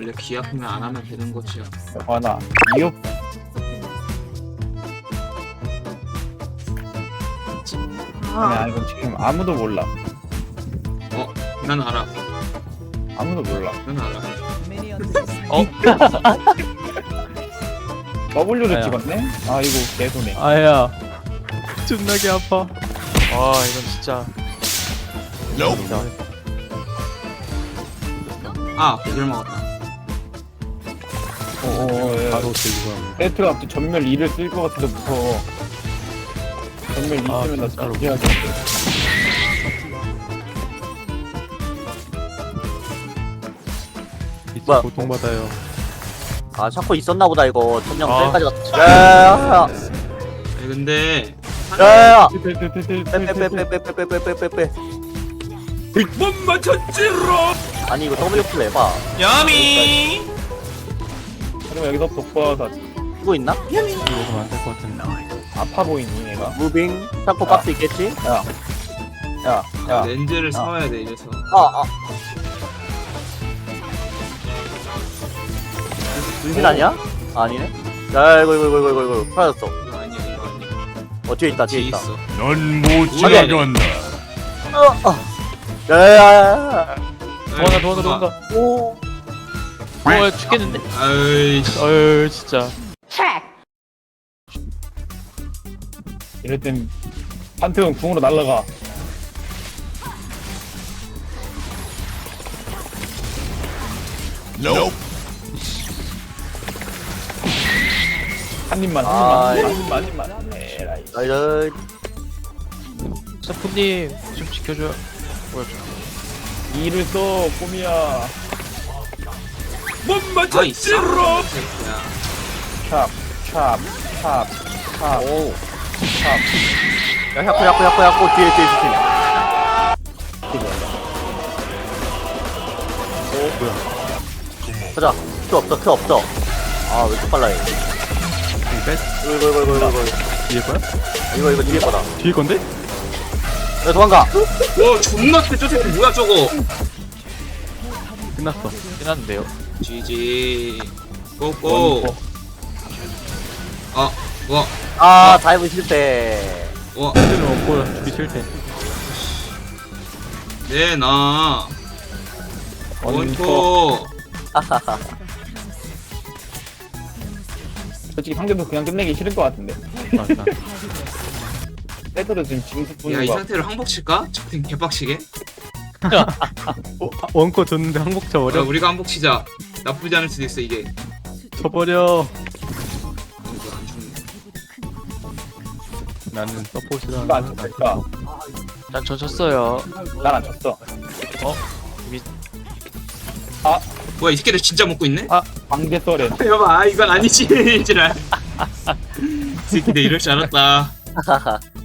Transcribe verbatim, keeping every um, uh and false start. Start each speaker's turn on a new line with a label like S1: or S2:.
S1: 원래 귀 아프면 안 하면 되는 거지요.
S2: 하나 이웃 아니야 이건 지금 아무도 몰라.
S1: 어, 난 알아.
S2: 아무도 몰라.
S1: 난 알아.
S3: 어?
S2: W를
S3: 아야.
S2: 찍었네? 아 이거 개소네.
S3: 아야 존나게 아파. 아 이건 진짜
S1: 아, 이걸 먹었다.
S2: 어어 예.
S3: 바로 들고
S2: 세트가 또 전멸 이를 쓸 것 같아서 무서워. 전멸 이
S3: 아,
S2: 쓰면 나
S3: 진짜로.
S2: 진짜 해야겠는데.
S3: 진짜
S4: 뭐야?
S3: 고통받아요.
S4: 아 샤코 있었나보다 이거 천장
S3: 아.
S4: 셀까지 갔다. 야야야야
S1: 아니, 근데
S4: 야야야
S2: 빼빼빼빼빼빼.
S4: 빼빼빼빼빼빼빼빼빼.
S1: 못 맞췄지로.
S4: 아니 이거 W 킬 해봐.
S1: 야미.
S2: 그러면 여기서 독버다
S4: 이거 있나?
S3: 이거 먹으면 안 될 것 같은데.
S2: 아파 보이니 얘가?
S4: 무빙 샤코
S2: 아.
S4: 박스 있겠지?
S2: 야, 야,
S1: 렌즈를 사와야 돼 이래서.
S4: 아아 분신 아니야? 아니네. 야 이거 이거 이거 이거 이거 사라졌어.
S1: 이거 아니야, 이거 아니야.
S4: 어 뒤에 있다 뒤에
S1: 뒤에
S4: 있다.
S1: 있어.
S5: 넌못
S1: 아니,
S5: 지나간다.
S4: 어, 어. 야야야야.
S3: 도망가 도망가 도망가.
S4: 오.
S3: 어 죽겠는데?
S1: 아이씨.
S3: 어휴 진짜.
S2: 이럴 땐 판테온 궁으로 날라가.
S5: Nope.
S2: 한 입만,
S4: 아,
S2: 한 입만, 한 입만, 한 입만. 에라이.
S4: 나이스.
S3: 샤프님 좀 지켜줘요. 뭐야 저.
S2: 이를 써, 꼬미야.
S1: 못 맞췄지로.
S2: 찹, 찹, 찹, 찹. 오, 찹.
S4: 야 야코 야코 야코 야코 뒤에 뒤에 뒤에.
S2: 이게 뭐야?
S4: 오 뭐야? 가자. 큐 없어 큐 없어. 아왜 이렇게 빨라 얘.
S3: 이거 뺐?
S4: 이거 이거 이거 이거 이거
S3: 뒤에 거야?
S4: 이거 이거 뒤에 거다.
S3: 뒤에 건데?
S4: 야 도망가.
S1: 와, 존나 세. 저 새끼 뭐야 저거?
S3: 끝났어. 끝났는데요.
S1: 지지. 고고. 아, 와,
S4: 아 다이브 실패.
S1: 와,
S3: 힘들면 없고 죽기 싫대.
S1: 네 나. 원포.
S4: 하하하.
S2: 솔직히 상대도 그냥 끝내기 싫을 것 같은데.
S3: 맞아.
S2: 세트도 지금 징수
S1: 야,
S2: 뿌는
S1: 이
S2: 거.
S1: 상태로 항복 칠까? 적팀 개빡치게.
S3: 어, 아, 원코 줬는데 항복
S1: 야,
S3: 쳐버려?
S1: 우리가 항복 치자. 나쁘지 않을 수도 있어 이게.
S3: 쳐버려.
S1: 이거 안 죽네.
S3: 나는 서포트다.
S2: 이거 안 쳤을까?
S3: 난저 졌어요.
S2: 난안 쳤어.
S1: 뭐야, 이 새끼들 진짜 먹고 있네?
S2: 광대 썰에.
S1: 여봐, 이건 아니지. 이지랄. 이 새끼들 이럴 줄 알았다.
S4: 하하하.